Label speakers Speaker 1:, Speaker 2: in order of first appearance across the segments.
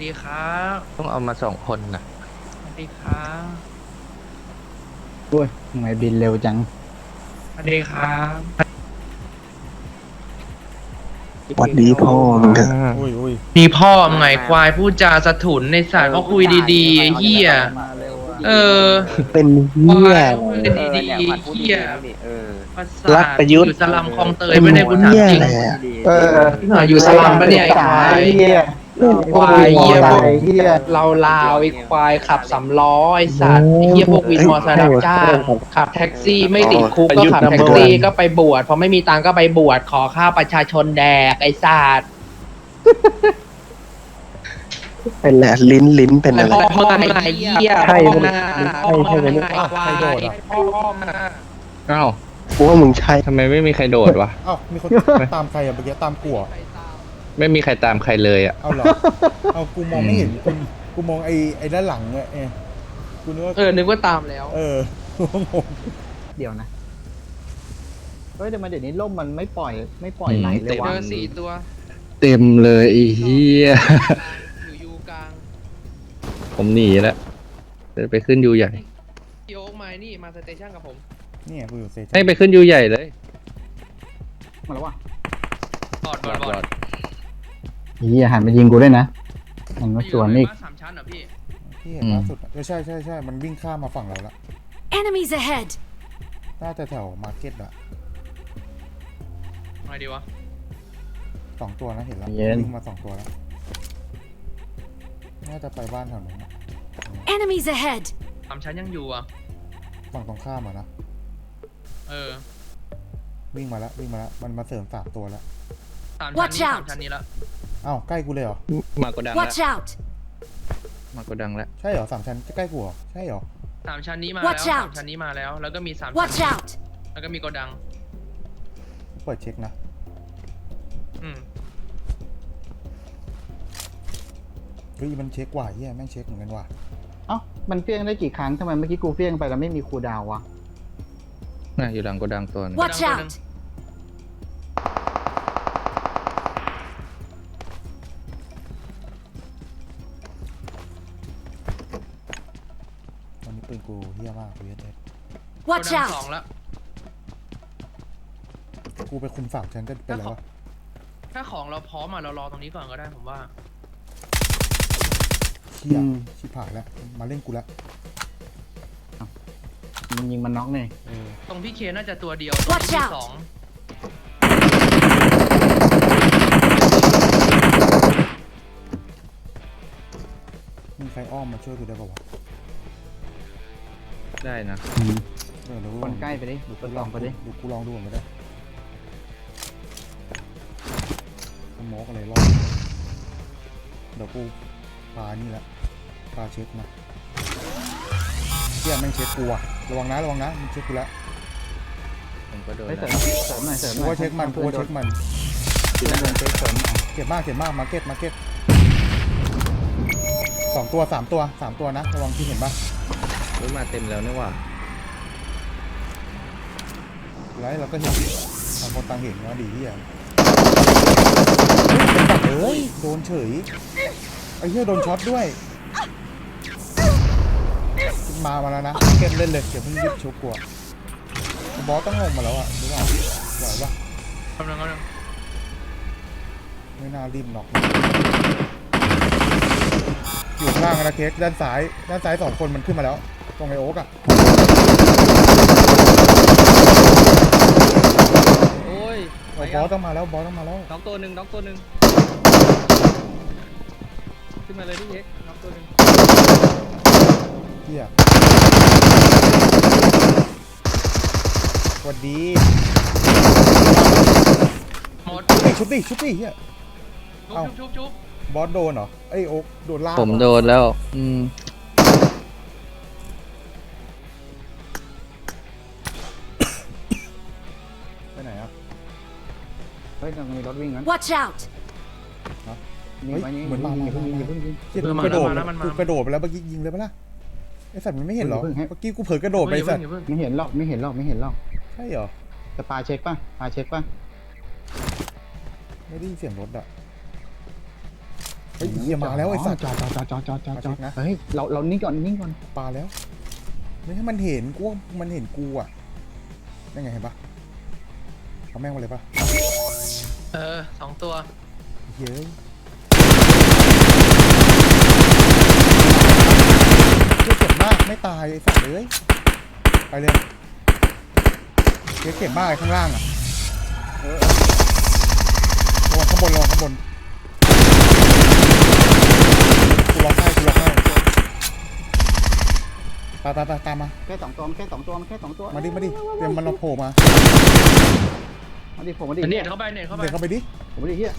Speaker 1: ดีครับ
Speaker 2: ต้องเอามา2 คนนะ
Speaker 1: สวัสดีครับ
Speaker 3: โอ้ยทำไมบินเร็วจัง
Speaker 1: สวัสดีครับ
Speaker 4: หวัดดีพ่อมึงเถอะ
Speaker 5: อุ้ยอุ้ย
Speaker 1: มีพ่อมึงไงควายพูดจาสะถุนในสารเขาคุยดีๆไอ้เหี้ยเออ
Speaker 4: เป็น
Speaker 1: คว
Speaker 4: เหี้ย
Speaker 1: าย
Speaker 4: อะไร
Speaker 1: เขาคุยดีๆไอ้เหี้ยประสา
Speaker 4: รัก
Speaker 1: ท
Speaker 4: ประยุทธ์
Speaker 1: อยู่สลัมคลองเตย
Speaker 4: เป็น
Speaker 1: ไม่ได้กูถาม
Speaker 4: เหี้ย
Speaker 1: จริง
Speaker 4: อะไรอะ
Speaker 1: อยู่สลัมปะเนี่ยไอ้ควาย ควายเหี้ยพวก
Speaker 3: เหี้ย
Speaker 1: เราลาวไอ้ควายขับ3 ล้อไอ้สัตว์ไอ้เหี้ยพวกวินมอเตอร์ไซค์รับจ้างขับแท็กซี่ไม่ติดคุกก็ขับแท็กซี่ก็ไปบวชพอไม่มีตังค์ก็ไปบวชขอข้าวประชาชนแดกไอ้สัตว์
Speaker 4: เป็นแหละลิ้นเป็นอะไร
Speaker 1: พ่อมาไอ้เหี้ย
Speaker 4: ใช่
Speaker 1: พ่อ
Speaker 4: ไหม
Speaker 1: มาพ่อ
Speaker 4: ใช่ไหม
Speaker 1: มาไอ้ควายพ่อมา
Speaker 2: อ้าว
Speaker 4: กูว่ามึงใช่
Speaker 2: ทำไมไม่มีใครโดดวะ
Speaker 5: เอ้ามีคนตามใครอะเมื่อกี้ตามกูเหรอ
Speaker 2: ไม่มีใครตามใครเลยอ่ะ
Speaker 5: เอาเหรอเอากูมองไม่เห็นกูมองไอ้ด้านหลังเนี่ยกูนึกว่า
Speaker 1: นึกว่าตามแล้ว
Speaker 5: กูก็งง
Speaker 3: เดี๋ยวนะเฮ้ยแต่มาเดี๋ยวนี้ล่มมันไม่ปล่อยไหลเล
Speaker 1: เจ
Speaker 3: ยวะ
Speaker 1: อ4 ตัว
Speaker 2: เต็มเลยไอ้เหี้ย
Speaker 1: อยู่ยูกลาง
Speaker 2: ผมหนีแล้วจะไปขึ้นยูใหญ่
Speaker 1: พี่โอ๊กมานี่มาสเตชันกับผม
Speaker 5: เนี่ยกูอยู่เซชัน
Speaker 2: ให้ไปขึ้นยูใหญ่เลย
Speaker 3: มาแล้ววะ
Speaker 1: บอด
Speaker 3: เหี้ยหันมายิงกูด้วยนะมันมาสวนอีก
Speaker 1: บ้า3 ชั้นเหรอพี่
Speaker 5: ที่เห็นล่าสุดอะใช่มันวิ่งข้ามมาฝั่งเราละ
Speaker 6: Enemies ahead!
Speaker 5: น่าจะแถวมาร์เก็ตอะ
Speaker 1: อะไรดีวะ
Speaker 5: 2 ตัวนะเห็นแล้ววิ่งมา2 ตัวแล้วน่าจะไปบ้านแถวนั้นอะ
Speaker 6: Enemies ahead!
Speaker 1: 3 ชั้นยังอยู่อ่ะ
Speaker 5: ฝั่งตรงข้ามอะนะ
Speaker 1: เออ
Speaker 5: วิ่งมาแล้วมันมาเสริม3 ตัวแล้ว
Speaker 1: 3 ชั้น
Speaker 6: Watch
Speaker 1: นี้
Speaker 6: out
Speaker 1: 3 ชั้นนี้ละ
Speaker 5: อ้าวใกล้กูเลยเหรอ
Speaker 2: มากดดังแล้ว
Speaker 6: Watch out!
Speaker 2: มากดดังแล้ว
Speaker 5: ใช่เหรอ3 ชั้นใกล้กูเหรอใช่เหรอ
Speaker 1: 3 ชั้นนี้มา
Speaker 6: Watch
Speaker 1: แล้ว
Speaker 6: out
Speaker 1: 3 ชั้นนี้มาแล้ว แล้วก็มี3
Speaker 6: Watch
Speaker 1: ชั้น
Speaker 6: out!
Speaker 1: แล้วก็มีโกดัง
Speaker 5: เปิดเช็คนะ
Speaker 1: อืม
Speaker 5: เฮ้ยมันเช็คกว่าเฮียแม่งเช็คเหมือนกันว่ะ
Speaker 3: เอ้ามันเฟี้ยงได้กี่ครั้งทำไมเมื่อกี้กูเฟี้ยงไปแล้วไม่มีคูลดาวน์วะ
Speaker 2: น่ะอยู่หลังกดดังตัวนึง
Speaker 6: Watch out!
Speaker 5: ตอนนี้ปืนกูเฮี้ยมากกูเอส
Speaker 1: โก
Speaker 6: Watch
Speaker 1: ดัง
Speaker 6: out!
Speaker 1: 2แล้ว
Speaker 5: กูไปคุมฝั่งฉันก็เป็นไรวะ
Speaker 1: ถ้าของเราพร้อมอ่ะเรารอตรงนี้ก่อนก็ได้ผมว่า
Speaker 5: เฮี้ยชิบหายแล้วมาเล่นกูแล้ว
Speaker 3: มันยิงมันน็อกเนี่ย
Speaker 1: ตรงพี่เคน่าจะตัวเดียวตรง
Speaker 6: Watch
Speaker 1: ที่
Speaker 6: out
Speaker 1: 2
Speaker 5: มีใครอ้อมมาช่วยกูได้ป่าวะ
Speaker 2: ได้นะ
Speaker 5: เดี๋ยว
Speaker 3: คนใกล้ไปดิ
Speaker 5: ดู
Speaker 3: คนลองไปดิ
Speaker 5: ดูกูลองดูก่อนก็ได้สโมกอะไรรอบเดี๋ยวกูพานี่แหละพาเช็คนะเฮี้ยแม่งเช็คกูอะระวังนะมันเช็คกูแล้ว
Speaker 2: ผมก็โดน
Speaker 3: เฮ้ย
Speaker 2: แล้ว
Speaker 3: เสริมหน่อย
Speaker 5: กูว่าเช็คมัน
Speaker 3: เพื่อนโดน
Speaker 5: เจ็บมากมาร์เก็ต2 ตัว 3 ตัวนะระวังที่เห็นป่ะ
Speaker 2: เฮ้ยมาเต็มแล้วนี่หว่า
Speaker 5: แล้วเราก็เห็นต่างคนต่างเห็นว่าดีเฮียเฮ้ยโดนเฉยไอ้เหี้ยโดนช็อตด้วยมาแล้วนะเก็บเล่นเลยเดี๋ยวเพิ่งยึดชุบกลัวบอสต้องลงมาแล้วอ่ะหรือเปล่าไหวปะ
Speaker 1: กำลัง
Speaker 5: ไม่น่ารีบน็อกอยู่ข้างล่างนะเค้กด้านซ้าย2 คนมันขึ้นมาแล้วตรงไอโอ๊กอ่ะ
Speaker 2: โอ้ย
Speaker 5: บอสต้องมาแล้ว
Speaker 2: น็อกตัวหนึ่งขึ้นมาเลยพี่เช็คน็อกตัวหนึ่ง
Speaker 5: เฮียสวัสดี
Speaker 1: หมด
Speaker 5: ชุบดิเฮีย เอ้า
Speaker 1: ชุบบ
Speaker 5: อสโดนเหรอไอโอ๊กโดนลาก
Speaker 2: ผมโดนแล้ว
Speaker 5: ไปไหนอ่ะ
Speaker 3: เฮ้ยมันมีรถวิ่งนั้น
Speaker 6: Watch out!
Speaker 3: ยิงไว้นี่
Speaker 5: เหมือนมา
Speaker 3: อย่าเพิ่งยิงอย่าเพิ่งยิง
Speaker 5: เฮียกูกระโดดกูกระโดดไปแล้วเมื่อกี้ยิงเลยปะล่ะไอสัตว์มันไม่เห็นเหรอ
Speaker 3: เพิ่งให้
Speaker 5: เมื่อกี้กูเผลอกระโดดไปไอ้สัตว์
Speaker 3: ไม่เห็นหรอกไม่เห็นหรอก
Speaker 5: ใช่เหรอ
Speaker 3: จะปาเช็คป่ะ
Speaker 5: ไม่ได้ยินเสียงรถอ่ะฮ้ยเหี้ยมาแล้วไอ้สัตว์
Speaker 3: จอด
Speaker 5: นะ
Speaker 3: เฮ้ยเรานิ่งก่อนนิ่งก่อน
Speaker 5: ปลาแล้วไม่ให้มันเห็นกูว่ามันเห็นกูอ่ะได้ไงเห็นปะเอาแม่งมาเลยปะ
Speaker 1: 2 ตัว
Speaker 5: เฮ้ยเจ็บมากไม่ตายไอ้สัตว์เลยไปเลยเจ็บมากไอ้ข้างล่างอ่ะลงข้างบนกูล็อกให้ตามมา
Speaker 3: แค่สองตัวมันแค่สองตัว
Speaker 5: มาดิเตรียมมันเราโผล่มา
Speaker 3: มาดิผมมาดิ
Speaker 1: เน็ตเข้าไป
Speaker 5: เดินเข้าไปดิ
Speaker 3: ผมมาดิเฮีย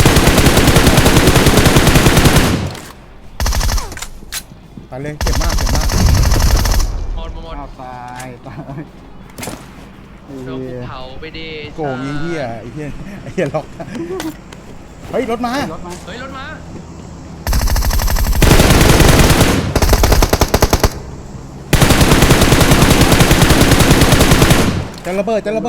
Speaker 5: ตายเลยเจ็บมาก
Speaker 1: หมด
Speaker 3: เอาตาย
Speaker 1: โดนภูเขาไปดิ
Speaker 5: โกงไอ้เหี้ยล็อกเฮ้ยรถมา
Speaker 3: รถมา
Speaker 1: เฮ้ยรถมา
Speaker 5: จะระเบิดตาย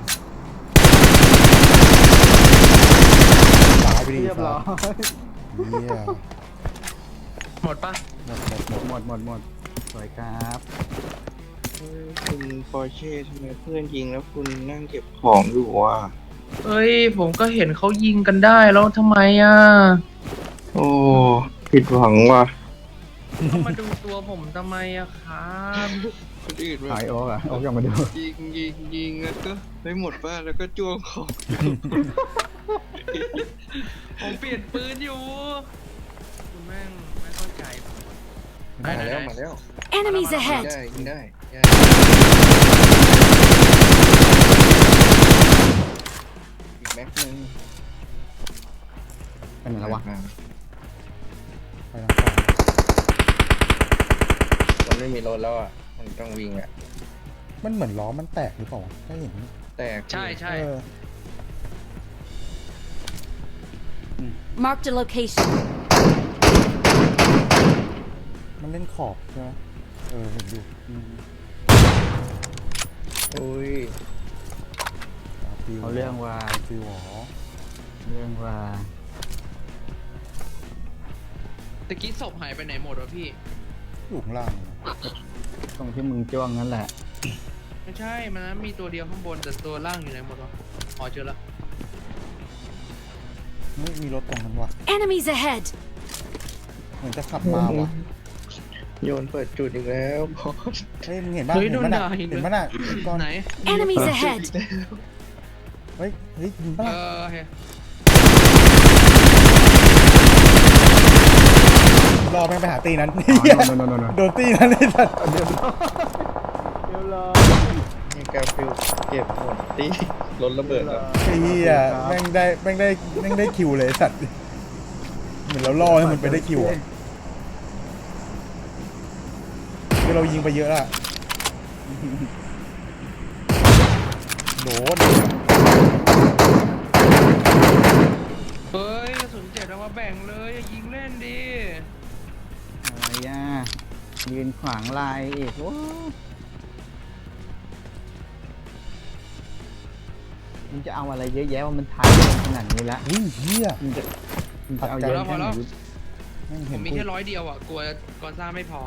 Speaker 5: ไปดิ
Speaker 3: เรียบร้อย
Speaker 5: เหี้ย
Speaker 1: หมดปะ
Speaker 3: หมดสวยครับ
Speaker 4: คุณปอร์เช่ทำไมเพื่อนยิงแล้วคุณนั่งเก็บของอยู่วะ
Speaker 1: เฮ้ยผมก็เห็นเขายิงกันได้แล้วทำไมอ่ะ
Speaker 4: โอ้ผิดหวังว่ะ
Speaker 1: ต้องมาดูตัวผมทำไมอะครับ
Speaker 4: คนอื่นแบ
Speaker 3: หา
Speaker 4: บ
Speaker 3: ยโอ๊กอะโอ๊กยังมาดู
Speaker 4: ยิงแล้วก็ไม่หมดป่ะแล้วก็จ้วงของ
Speaker 1: ผมเปลี่ยนปืนอยู่คุณแม่งไม่เข้าใจผม
Speaker 4: มาแล้ว
Speaker 6: Enemies ahead!
Speaker 4: ยิงได้อีกแม็กนึง
Speaker 3: เป็นไงแล้ววะ
Speaker 5: ไปทางขวา
Speaker 4: มันไม่มีรถแล้วอ่ะมันต้องวิ่งอ่ะ
Speaker 5: มันเหมือนล้อมันแตกหรือเปล่าวะไม่เห็น
Speaker 4: แตก
Speaker 1: ใช่
Speaker 5: เออ
Speaker 6: Marked a location.
Speaker 5: มันเล่นขอบใช่ไหมเห็นอยู่
Speaker 4: อุ้ย
Speaker 3: เขาเรื่องว่า
Speaker 5: ฟิวหรอ
Speaker 1: ตะกี้ศพหายไปไหนหมดวะพี่
Speaker 5: อยู่ข้างล่าง
Speaker 3: ตรงที่มึงจ้วงนั่นแหละ
Speaker 1: ไม่ใช่มันนะมีตัวเดียวข้างบนแต่ตัวล่างอยู่ไหนหมดวะอ๋อเจอแล้ว
Speaker 5: ไม่มีรถตรงนั้นว่ะ
Speaker 6: Enemies ahead!
Speaker 5: เหมือนจะขับมาว่ะ
Speaker 4: โยนเปิดจุดอีกแล้วพอ
Speaker 5: เฮ้ยมึงเห็นป่ะ
Speaker 1: เฮ้ย
Speaker 5: เห็น
Speaker 1: โดน
Speaker 5: มัน
Speaker 1: ด่า
Speaker 5: อ่ะ
Speaker 1: เห็น
Speaker 5: เห็นมันอ่ะก่อน
Speaker 1: ไหน
Speaker 6: Enemies ahead!
Speaker 5: เฮ้ยยิงป่ะ
Speaker 1: โอเค
Speaker 5: รอแม่งไปหาตีนั้น
Speaker 3: โน่
Speaker 5: โดนตีนั้นเลยสัตว์
Speaker 3: เดี๋ยวรอ
Speaker 4: มีกาฟิลเก็บหมดที่รถระเบิดแล้ว
Speaker 5: ไอ้เหี้ยแม่งได้คิวเลยสัตว์เหมือนเราล่อให้มันไปได้คิวอ่ะคือเรายิงไปเยอะละโดน
Speaker 1: เฮ้ยกระสุน7เอามาแบ่งเลยอย่ายิงเล่นดิ
Speaker 3: อะไรอ่ะยืนขวางลายอีกโอ้มันจะเอาอะไรเยอะแยะว่ามันถ่ายขนาดนี้แล้ว
Speaker 5: อุ้ยเหี้ย
Speaker 3: มันจะเอาเยอะแค่ไหน
Speaker 5: แม่ง
Speaker 1: ผ
Speaker 5: เห็
Speaker 1: ม
Speaker 5: น
Speaker 1: มีแค่100 เดียวอ่ะกลัวกอซ่าไม่พอ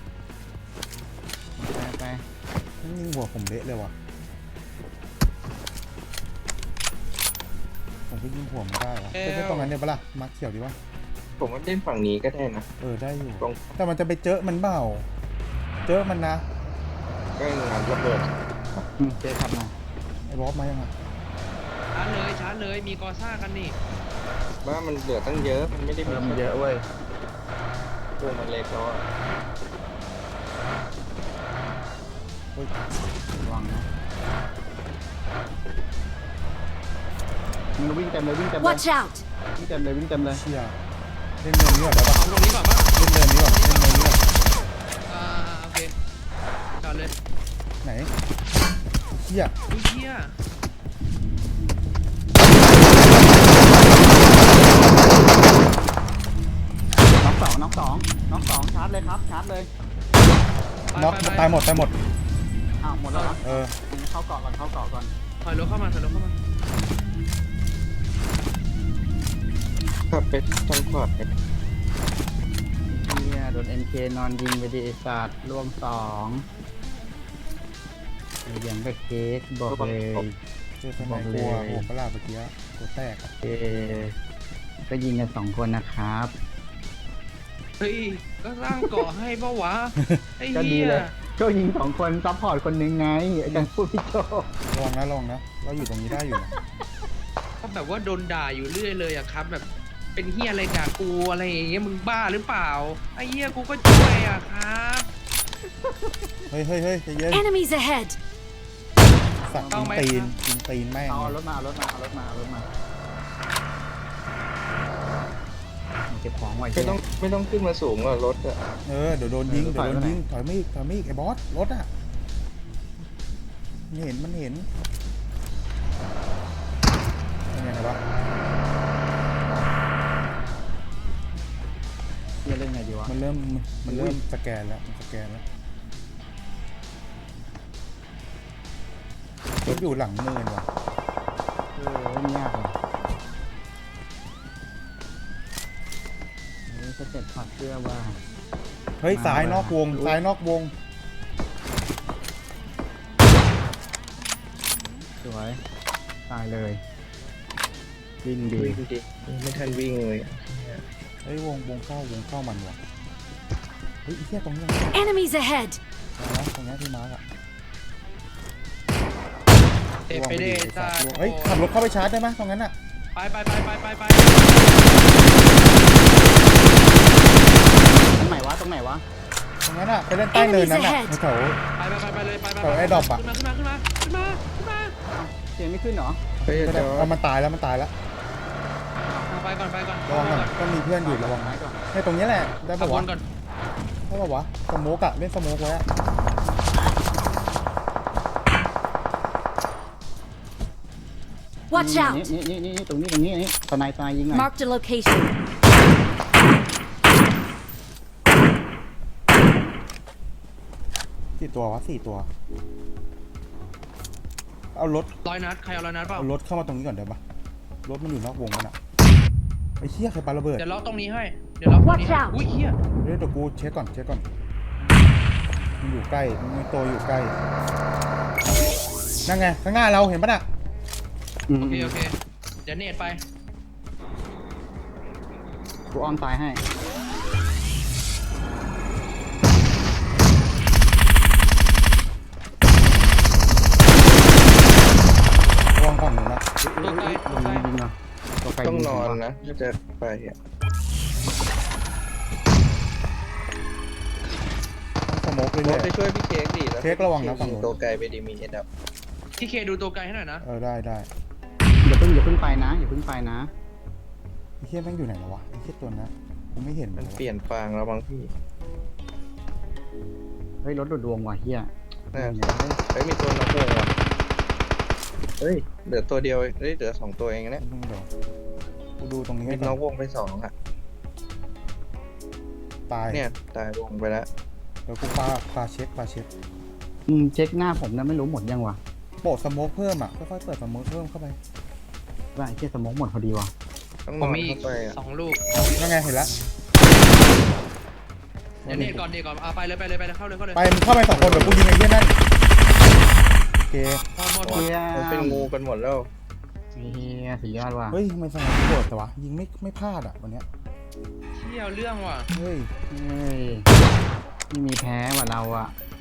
Speaker 3: ไป
Speaker 5: มันยิงหัวผมเละเลยว่ะผมก็ยิงหัวมันได้ว่ะไม่ตรงนั้นเนี่ยปะล่ะมาร์คเขียวดีวะ
Speaker 4: ผมว่าเล่นฝั่งนี้ก็ได้นะ
Speaker 5: ได้อยู่
Speaker 4: ตรง
Speaker 5: แต่มันจะไปเจอมันเปล่าเจอมันนะ
Speaker 4: ก็งานระเบิด
Speaker 3: เจ๊ขับมา
Speaker 5: ไอ้บอสมายังไง
Speaker 1: ชาร์จเลยมีกอซ่ากันนี่
Speaker 4: ว่ามันเหลือตั้งเยอะมันไม่ได้มี
Speaker 3: มันเยอะเว้ย
Speaker 4: ตัวมันเล็กแล้วอะ
Speaker 3: ระวังนะมึงวิ่งเต็มเลย
Speaker 6: Watch out!
Speaker 3: วิ่งเต็มเลย
Speaker 5: เชี่ยเล่นเนินนี้ก่อนได้ปะ
Speaker 1: เอาตรงนี้ก่อนป่ะ
Speaker 5: เล่นเนินนี้ก่อน
Speaker 1: โอเคจอดเลย
Speaker 5: ไหนเชี่ย
Speaker 1: อุ้ยเหี้ย
Speaker 3: น้องสองชาร์จเลยครับชาร์จเลย
Speaker 5: น็อกตายหมด
Speaker 3: อ้าวหมดแล้วเหรอ เข้าเกาะก่อน
Speaker 1: ถอยรถเข้ามา
Speaker 4: ขับไปทางขวา
Speaker 3: เฮียโดน MK นอนยิงไปดิไอ้สัตว์ร่วง2ไอ้ยังก็เค้กบอกเลย
Speaker 5: เจอสมัยกลัวหัวกระลาเมื่อกี้ตัวแตกอะ
Speaker 3: เอก็ยิงกัน2 คนนะครับ
Speaker 1: เฮ้ยก็สร้างเกาะให้ปะวะไอ้
Speaker 3: ก็ดี
Speaker 1: เหี้ย
Speaker 3: เลยก็ยิง2 คนซัพพอร์ตคนหนึงไงอาจารย์พูดพี่โจ
Speaker 5: ระวังนะระวังนะเราอยู่ตรงนี้ได้อยู่นะ
Speaker 1: ก็แบบว่าโดนด่าอยู่เรื่อยเลยอะครับ แบบเป็นเหี้ยอะไรกับกูอะไรอย่างเงี้ยมึงบ้าหรือเปล่าไอ้เหี้ยกูก็ช่วยอะครับ
Speaker 5: เฮ้ยใจเย็น
Speaker 6: Enemies ahead!
Speaker 5: สัตว์ยิงตีนแม่ง
Speaker 3: เอารถมาเอารถมาเอารถมาเอารถมาเก็บของไว้
Speaker 4: ไม่ต้องขึ้นมาสูงกว่ารถอะ
Speaker 5: เดี๋ยวโดนยิงถอยมาอีกไอ้บอสรถอ่ะมันเห็นยังไงวะ
Speaker 3: เฮียเล่นไงดีวะ
Speaker 5: มันเริ่มสแกนแล้วรถอยู่หลังเนินว่ะ
Speaker 3: เล่นยากเลยสเต็ปถอดเสื้อว่า
Speaker 5: เฮ้ยซ้ายนอกวง
Speaker 3: สวยตายเลยวิ่งดี
Speaker 4: วิ่งดิไม่ทันวิ่งเลย
Speaker 5: เฮ้ยวงเข้ามันว่ะเฮ้ยไอ้เหี้ยตรงนี้
Speaker 6: Enemies ahead!
Speaker 5: ตรงนี้ที่มาร์กอะ
Speaker 1: เตะไปเด้จ้า
Speaker 5: เฮ้ยขับรถเข้าไปชาร์จได้ไหมตรงนั้นอะ
Speaker 1: ไป
Speaker 3: ตรงไหนวะ
Speaker 5: ตรงนั้นอะไปเล่นใต้เนินนั้นอะแถว
Speaker 1: ไปเลยไป
Speaker 5: แถวไอ้ดอกอะ
Speaker 1: ขึ้นมา
Speaker 3: เสียงไม่ขึ้นเหรอ
Speaker 4: เฮ้ย
Speaker 5: ก็ได้เอามันตายแล้ว
Speaker 1: ไปก่อน
Speaker 5: ระวังก่อนต้องมีเพื่อนอยู่ระวัง
Speaker 3: ไม้ก่อน
Speaker 5: ให้ตรงนี้แหละได้
Speaker 1: ขั
Speaker 5: ปะ
Speaker 1: บว
Speaker 5: วะ
Speaker 1: นก่อน
Speaker 5: ได้ปะวะสโมกอะเล่นสโมกไว้อะ
Speaker 6: Watch
Speaker 3: นี่
Speaker 6: out!
Speaker 3: ตรงนี้ตอนนายตายยิงหน่อย
Speaker 6: Marked a location.
Speaker 5: กี่ตัววะ4 ตัวเอารถ
Speaker 1: 100 นัดใครเอา100 นัดเปล่า
Speaker 5: เอารถเข้ามาตรงนี้ก่อนเดี๋ยวปะรถมันอยู่นอกวงมันอะไอ้เหี้ยใครปาระเบิด
Speaker 1: เดี๋ยวล็อกตรงนี้ให้เดี๋ยวล็อกตรงนี้
Speaker 6: Watch out
Speaker 1: อุ้ยเหี้ย
Speaker 5: เดี๋ยวกูเช็คก่อนมันอยู่ใกล้มันมีตัวอยู่ใกล้นั่นไงข้างหน้าเราเห็นปะน่ะ
Speaker 1: โอเคเดี๋ยวเนตไป
Speaker 3: กูอ้อมตายให้
Speaker 5: ระวังฝั่งหนูนะ
Speaker 1: ตัวไกล
Speaker 3: ยิงเหรอตัวไกล
Speaker 4: ต้อง
Speaker 3: ยิ
Speaker 4: นอน
Speaker 3: ว
Speaker 4: นะถ้าจะไปอะ
Speaker 5: สโมกเรื่
Speaker 4: ร
Speaker 5: อ
Speaker 4: ถ
Speaker 5: ย
Speaker 4: ไปช่วยพี่เค้กดิแล้ว
Speaker 5: เค้กระวังนะฝั่งนู้น
Speaker 4: ตัวไกลไปดิมีเอ็ดอัพ
Speaker 1: ที่เคดูตัวไกลให้หน่อยนะ
Speaker 5: ได้
Speaker 3: อย่าเพิ่งไปนะไ
Speaker 5: ไ
Speaker 3: อ้
Speaker 5: เหี้ยแม่งอยู่ไหนแล้ววะไอ้เหี้ยตัวนั้นผมไม่เห็น
Speaker 4: มันเปลี่ยนฟางแล้วบางพี่
Speaker 3: เฮ้ยรถดูดดวงว่ะเฮีย
Speaker 4: น่าเฮ้ยมีตัวนอกวงว่ะเฮ้ยเหลือตัวเดียวเฮ้ยเหลือ2 ตัวเองนะ
Speaker 5: เดี๋ยวกูดูตรงนี้
Speaker 4: มี
Speaker 5: ให้
Speaker 4: น
Speaker 5: ก่
Speaker 4: อ
Speaker 5: อก น
Speaker 4: วงไป2อะ
Speaker 5: ตาย
Speaker 4: เนี่ยตายวงไปแล้ว
Speaker 5: เดี๋ยวกูปาเช็ค
Speaker 3: เช็คหน้าผมนะไม่รู้หมดยังวะ
Speaker 5: โปะสโมกเพิ่มอ่ะค่อยๆเปิดสโมกเพิ่มเข้าไป
Speaker 3: ว่าไอ้เชี่ยสมองหมดพอดีวะ
Speaker 4: ต้องน
Speaker 1: ผม
Speaker 4: อน
Speaker 1: มีอี
Speaker 4: เข้าก ไปอะ
Speaker 1: 2 ลูก
Speaker 5: นั่นไงเห็นแล้ว
Speaker 1: เดี๋ยวเนตก่อนเอาไปเลยเข้าเลย
Speaker 5: ไปมึงเข้าไป2 คนเดี๋ยวกูยิงไอ้เหี้ยนั่นโอเค
Speaker 1: หมด
Speaker 3: เฮีย
Speaker 4: มันเป็นงูกันหมดแล้ว
Speaker 3: เฮียสุดยอดว่ะ
Speaker 5: เฮ้ยทำไมสโมกโกรธแต่วะยิงไม่พลาดอ่ะวันเนี้ย
Speaker 1: เที่ยวเรื่องว่ะ
Speaker 5: เฮ้ย
Speaker 3: เฮ้ยไม่มีแพ้ว่ะเราอะ